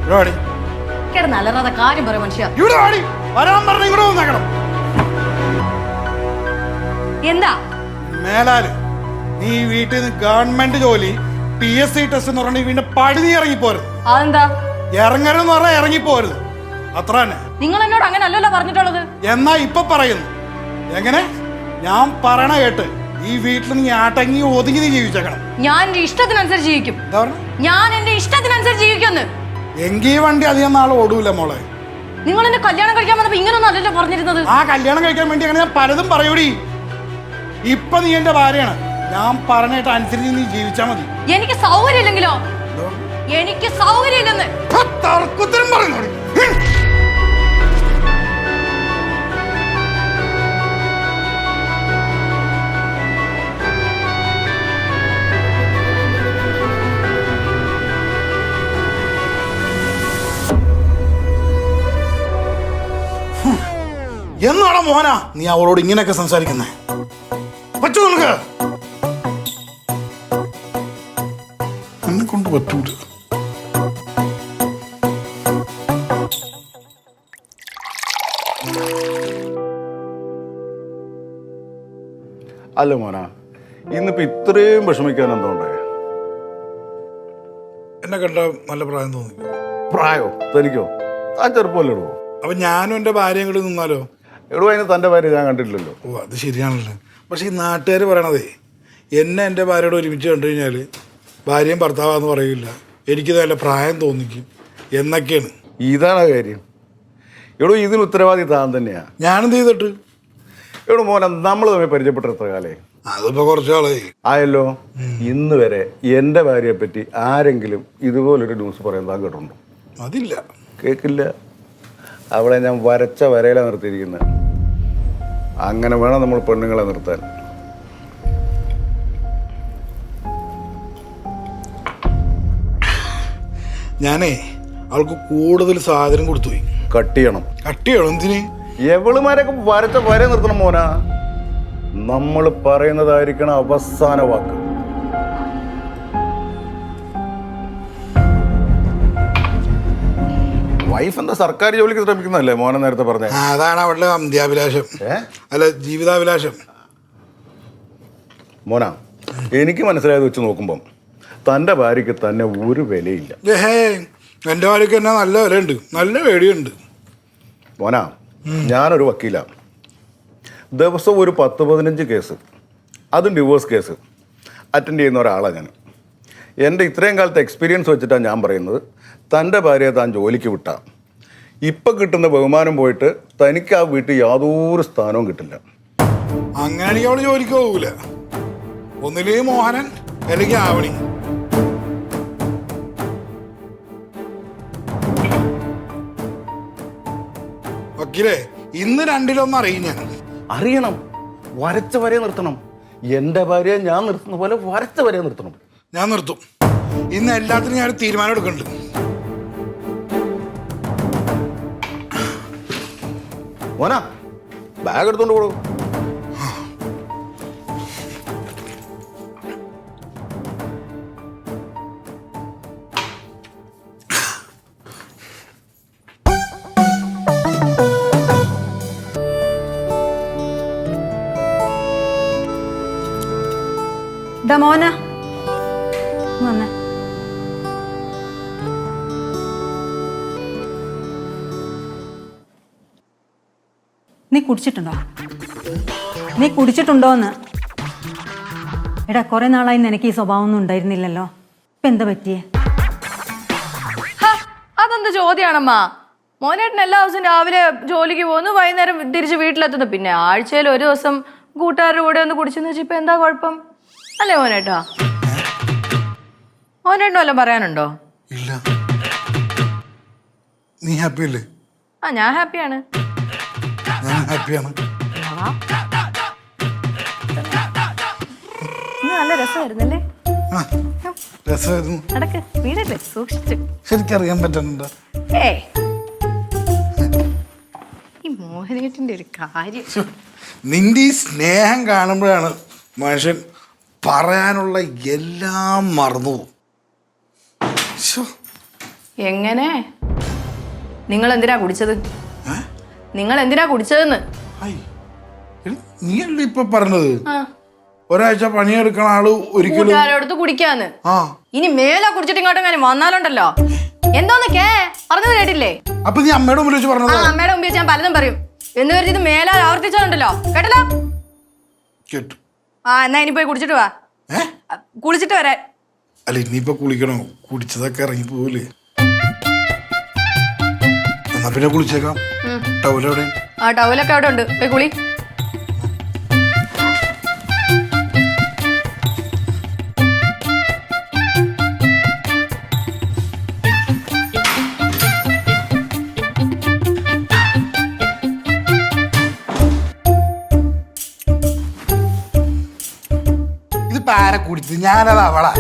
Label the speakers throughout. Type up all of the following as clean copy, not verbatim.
Speaker 1: കിടന്നല്ലാതെ കാര്യം പറയും മനുഷ്യ. എന്താ
Speaker 2: മേലാല് നീ വീട്ടിൽ നിന്ന് ഗവൺമെന്റ് ജോലി PSC ടെസ്റ്റ് എന്ന് പറഞ്ഞാൽ വീണ്ടും പഴുതി ഇറങ്ങിപ്പോരുത്.
Speaker 1: അതെന്താ
Speaker 2: ഇറങ്ങരുതെന്ന് പറഞ്ഞാൽ ഇറങ്ങിപ്പോരുത്, അത്ര തന്നെ.
Speaker 1: നിങ്ങൾ എന്നോട് അങ്ങനെ അല്ലല്ലോ പറഞ്ഞിട്ടുള്ളത്.
Speaker 2: എന്നാ ഇപ്പൊ പറയുന്നു എങ്ങനെ? ഞാൻ പറയണ കേട്ട് ഈ വീട്ടിൽ നീ ആട്ടങ്ങി ഒതുങ്ങി നീ ജീവിച്ചേക്കണം.
Speaker 1: ഞാൻ എന്റെ ഇഷ്ടത്തിനനുസരിച്ച് ജീവിക്കും. ഞാൻ എന്റെ ഇഷ്ടത്തിനനുസരിച്ച് ജീവിക്കുന്നു.
Speaker 2: എങ്കി വണ്ടി അധികം നാളെ ഓടൂല മോളെ.
Speaker 1: നിങ്ങൾ എന്നെ കല്യാണം കഴിക്കാൻ വന്നപ്പോ ഇങ്ങനൊന്നും അല്ലല്ലോ പറഞ്ഞിരുന്നത്.
Speaker 2: ആ കല്യാണം കഴിക്കാൻ വേണ്ടി അങ്ങനെ ഞാൻ പലതും പറയൂടി. ഇപ്പൊ നീ എന്റെ ഭാര്യയാണ്, ഞാൻ പറഞ്ഞിട്ട് അനുസരിച്ച് നീ ജീവിച്ചാ മതി.
Speaker 1: എനിക്ക് സൗകര്യം ഇല്ലെങ്കിലോ? എനിക്ക് സൗകര്യം ഇല്ലെന്ന്
Speaker 2: തർക്കുത്തരം പറയുന്നു. എന്നാണോ മോനാ നീ അവളോട് ഇങ്ങനെയൊക്കെ സംസാരിക്കുന്നേ? പറ്റൂ നിനക്ക്? എന്നെ കൊണ്ട് പറ്റൂല.
Speaker 3: അല്ല മോനാ, ഇന്നിപ്പോ ഇത്രയും വിഷമിക്കാൻ എന്തുകൊണ്ടേ?
Speaker 2: എന്നെ കണ്ട നല്ല പ്രായം തോന്നി.
Speaker 3: പ്രായോ? തനിക്കോ? താൻ ചെറുപ്പമല്ലേ ഇടുവോ?
Speaker 2: അപ്പൊ ഞാനും എന്റെ ഭാര്യയും കൂടി നിന്നാലോ?
Speaker 3: എടോ, അതിന് തൻ്റെ ഭാര്യ ഞാൻ കണ്ടിട്ടില്ലല്ലോ.
Speaker 2: ഓ, അത് ശരിയാണല്ലോ. പക്ഷെ ഈ നാട്ടുകാർ പറയണതേ എന്നെ എൻ്റെ ഭാര്യയോട് ഒരുമിച്ച് കണ്ടു കഴിഞ്ഞാൽ ഭാര്യയും ഭർത്താവാന്ന് പറയില്ല, എനിക്ക് നല്ല പ്രായം തോന്നിക്കും എന്നൊക്കെയാണ്.
Speaker 3: ഇതാണ് കാര്യം. എടോ, ഇതിന് ഉത്തരവാദി താൻ തന്നെയാ.
Speaker 2: ഞാനെന്ത് ചെയ്തിട്ട്?
Speaker 3: എടോ മോനെ, നമ്മൾ തമ്മിൽ പരിചയപ്പെട്ട എത്ര കാലേ?
Speaker 2: അതിപ്പോ കുറച്ചാളായി
Speaker 3: ആയല്ലോ. ഇന്ന് വരെ എൻ്റെ ഭാര്യയെ പറ്റി ആരെങ്കിലും ഇതുപോലൊരു ന്യൂസ് പറയാൻ താൻ കേട്ടിട്ടുണ്ടോ?
Speaker 2: അതില്ല.
Speaker 3: കേൾക്കില്ല. അവളെ ഞാൻ വരച്ച വരയിലാണ് നിർത്തിയിരിക്കുന്നത്. അങ്ങനെ വേണം നമ്മൾ പെണ്ണുങ്ങളെ നിർത്താൻ.
Speaker 2: ഞാനേ അവൾക്ക് കൂടുതൽ സാധനം കൊടുത്തുപോയി.
Speaker 3: കട്ട് ചെയ്യണം.
Speaker 2: കട്ട് ചെയ്യണം? എന്തിന്?
Speaker 3: എവളുമാരൊക്കെ വരച്ച വര നിർത്തണം മോനാ. നമ്മൾ പറയുന്നതായിരിക്കണം അവസാന വാക്ക്. വൈഫ് എന്താ സർക്കാർ ജോലിക്ക് ശ്രമിക്കുന്നതല്ലേ മോനെ നേരത്തെ പറഞ്ഞ?
Speaker 2: അതാണ് അവളുടെ അന്ത്യാഭിലാഷം, അല്ല ജീവിതാഭിലാഷം.
Speaker 3: മോനാ, എനിക്ക് മനസ്സിലായത് വെച്ച് നോക്കുമ്പം തൻ്റെ ഭാര്യയ്ക്ക് തന്നെ ഒരു വിലയില്ല.
Speaker 2: എൻ്റെ ഭാര്യയ്ക്ക് തന്നെ നല്ല വിലയുണ്ട്, നല്ല പേടിയുണ്ട്.
Speaker 3: മോനാ, ഞാനൊരു വക്കീലാണ്. ദിവസവും ഒരു 10-15 കേസ്, അതും ഡിവോഴ്സ് കേസ് അറ്റൻഡ് ചെയ്യുന്ന ഒരാളാണ് ഞാൻ. എൻ്റെ ഇത്രയും കാലത്തെ എക്സ്പീരിയൻസ് വെച്ചിട്ടാണ് ഞാൻ പറയുന്നത്, തൻ്റെ ഭാര്യയെ താൻ ജോലിക്ക് വിട്ടാൽ ഇപ്പം കിട്ടുന്ന ബഹുമാനം പോയിട്ട് തനിക്ക് ആ വീട്ടിൽ യാതൊരു സ്ഥാനവും കിട്ടില്ല.
Speaker 2: അങ്ങനെയാണെങ്കിൽ അവൾ ജോലിക്ക് പോകൂല. ഒന്നില്ലെങ്കിൽ മോഹനൻ അല്ലെങ്കിൽ ആവണി. വക്കീലേ, ഇന്ന് രണ്ടിലൊന്നും അറിയും ഞാൻ.
Speaker 3: അറിയണം. വരച്ച വരെ നിർത്തണം. എൻ്റെ ഭാര്യയെ ഞാൻ നിർത്തുന്ന പോലെ വരച്ച വരെ നിർത്തണം.
Speaker 2: ഞാൻ നിർത്തും. ഇന്ന് എല്ലാത്തിനും ഞാൻ തീരുമാനം എടുക്കുന്നുണ്ട്.
Speaker 3: മോനാ, ബാഗ് എടുത്തോണ്ട് പോകൂ.
Speaker 1: മോന വന്നേ.
Speaker 4: നീ കുടിച്ചിട്ടുണ്ടോ? നീ കുടിച്ചിട്ടുണ്ടോന്ന്? എടാ, കുറെ നാളായി നിനക്ക് ഈ സ്വഭാവം ഒന്നും ഉണ്ടായിരുന്നില്ലല്ലോ. ഇപ്പൊ എന്താ പറ്റിയേ?
Speaker 1: അതെന്ത് ചോദ്യാണമ്മ? മോനേട്ടൻ എല്ലാ ദിവസവും രാവിലെ ജോലിക്ക് പോകുന്നു, വൈകുന്നേരം തിരിച്ച് വീട്ടിലെത്തുന്നു. പിന്നെ ആഴ്ചയിൽ ഒരു ദിവസം കൂട്ടുകാരുടെ കൂടെ ഒന്ന് കുടിച്ചെന്ന് വെച്ചാൽ ഇപ്പൊ എന്താ കുഴപ്പം? അല്ലേ മോനേട്ടാ? മോനേട്ടനും വല്ലതും പറയാനുണ്ടോ?
Speaker 2: ഇല്ല. നീ ഹാപ്പി അല്ലേ?
Speaker 1: ഞാൻ ഹാപ്പിയാണ്.
Speaker 2: ഞാൻ ഹാപ്പിയാണ്.
Speaker 1: നല്ല രസമായിരുന്നല്ലേ?
Speaker 2: രസമായിരുന്നു.
Speaker 1: നടക്ക്, വീടല്ലേ, സൂക്ഷിച്ചു.
Speaker 2: ശരിക്കറിയാൻ പറ്റുന്നുണ്ടോ?
Speaker 1: ഈ മോഹനേട്ടന്റെ ഒരു കാര്യം.
Speaker 2: നിന്റെ ഈ സ്നേഹം കാണുമ്പോഴാണ് മനുഷ്യൻ പറയാനുള്ള എല്ലാം മറന്നു.
Speaker 1: എങ്ങനെ? നിങ്ങൾ എന്തിനാ കുടിച്ചത്?
Speaker 2: ഏ?
Speaker 1: നിങ്ങൾ എന്തിനാ കുടിച്ചതെന്ന്?
Speaker 2: ഐ, എടി, നീയല്ലേ ഇപ്പൊ പറഞ്ഞത്
Speaker 1: ആ,
Speaker 2: ഒരാഴ്ച പണിയെടുക്കണ ആള് ഒരിക്കലും
Speaker 1: കൂട്ടുകാരോടത്ത് കുടിക്കാന്ന്.
Speaker 2: ആ
Speaker 1: ഇനി മേലെ കുടിച്ചിട്ട് ഇങ്ങോട്ട് എങ്ങനെ വന്നാലുണ്ടല്ലോ. എന്തോന്ന് പറഞ്ഞത് കേട്ടില്ലേ?
Speaker 2: അപ്പൊ നീ അമ്മയുടെ മുമ്പിൽ വെച്ച്
Speaker 1: ആ,
Speaker 2: പറഞ്ഞത്
Speaker 1: അമ്മയുടെ മുമ്പിൽ ഞാൻ പലതും പറയും. എന്ന് കരുതി ഇത് മേലാൽ ആവർത്തിച്ചാലുണ്ടല്ലോ, കേട്ടല്ലോ?
Speaker 2: കേട്ടു.
Speaker 1: ആ, എന്നാ ഇനി പോയി കുടിച്ചിട്ട് വാ.
Speaker 2: ഏ
Speaker 1: കുളിച്ചിട്ട് വരാൻ.
Speaker 2: അല്ല ഇനിയിപ്പൊ കുളിക്കണോ? കുടിച്ചതൊക്കെ ഇറങ്ങി പോവില്ലേ? എന്നാ പിന്നെ കുളിച്ചേക്കാം. ടൗലെവിടെ?
Speaker 1: ആ, ടവലൊക്കെ അവിടെ ഉണ്ട്, പോയി കുളി.
Speaker 2: ഇതിപ്പോ ആരെ കുടിച്ചത്? ഞാനത് അവളാ.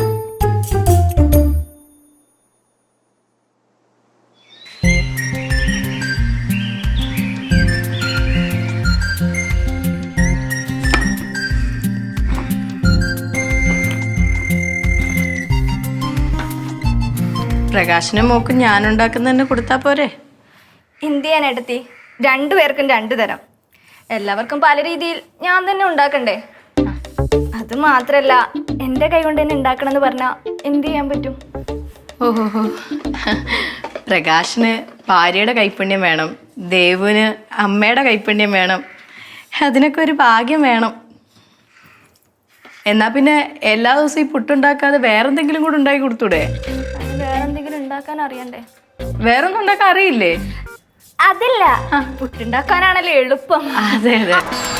Speaker 1: പ്രകാശനും മോക്കും ഞാൻ ഉണ്ടാക്കുന്നതന്നെ കൊടുത്താ പോരെ?
Speaker 5: എന്ത് ചെയ്യാനെടുത്തി? രണ്ടുപേർക്കും രണ്ടു തരം. എല്ലാവർക്കും പല രീതിയിൽ ഞാൻ തന്നെ ഉണ്ടാക്കണ്ടേ? അത് മാത്രല്ല, എൻ്റെ കൈ കൊണ്ട് തന്നെ ഉണ്ടാക്കണം എന്ന് പറഞ്ഞാൽ എന്ത് ചെയ്യാൻ പറ്റും?
Speaker 1: ഓഹോ, പ്രകാശിന് ഭാര്യയുടെ കൈപ്പുണ്യം വേണം, ദേവുവിന് അമ്മയുടെ കൈപ്പുണ്യം വേണം. അതിനൊക്കെ ഒരു ഭാഗ്യം വേണം. എന്നാ പിന്നെ എല്ലാ ദിവസവും ഈ പുട്ടുണ്ടാക്കാതെ വേറെന്തെങ്കിലും കൂടെ ഉണ്ടാക്കി കൊടുത്തൂടെ?
Speaker 5: അതിന് വേറെന്തെങ്കിലും ഉണ്ടാക്കാൻ അറിയണ്ടേ?
Speaker 1: വേറൊന്നും ഉണ്ടാക്കാൻ അറിയില്ലേ?
Speaker 5: അതില്ല, പുട്ടുണ്ടാക്കാനാണല്ലോ എളുപ്പം.
Speaker 1: അതെ അതെ.